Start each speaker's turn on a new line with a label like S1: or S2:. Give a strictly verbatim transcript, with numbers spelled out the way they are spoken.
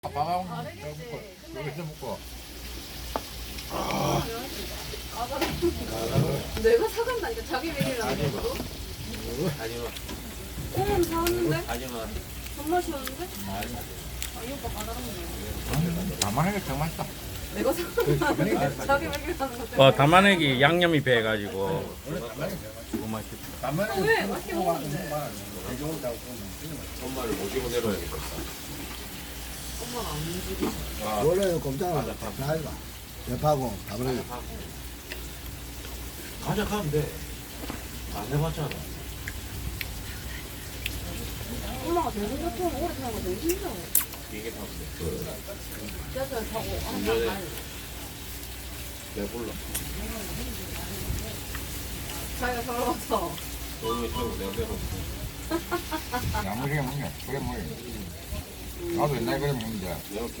S1: 아빠가 먹고 여기서 먹고
S2: 내가 사간다니까 자기 메뉴라는 거.
S3: 하지마
S2: 꼬문 사왔는데?
S3: 하지마
S2: 손맛이었는데? 아, 이 오빠 까다롭네.
S1: 담아내기 정말 맛있다.
S2: 내가 사간다니까 자기 메뉴라는 거.
S4: 어, 담아내기 양념이 배가지고 너무 맛있겠다.
S2: 아, 왜? 맛있게 먹었는데.
S3: 엄마를 모시고 내려야겠다.
S2: 엄마가 안 움직여.
S5: 원래 꼼짝을 나이가 옆하고 담으려
S3: 가져가면 돼. 안 해봤잖아.
S2: 엄마가 대중교통 오래 타는 거 되게 힘들어.
S3: 이게 타면 돼.
S2: 지하철 타고 항상
S3: 운전해.
S2: 가요.
S3: 내 불러.
S2: 자기가 살아왔어.
S3: 너무 타고 내가 내가
S1: 야무지게 먹네. 그래 먹네. 나도 옛날에 그래 먹는데
S3: 내가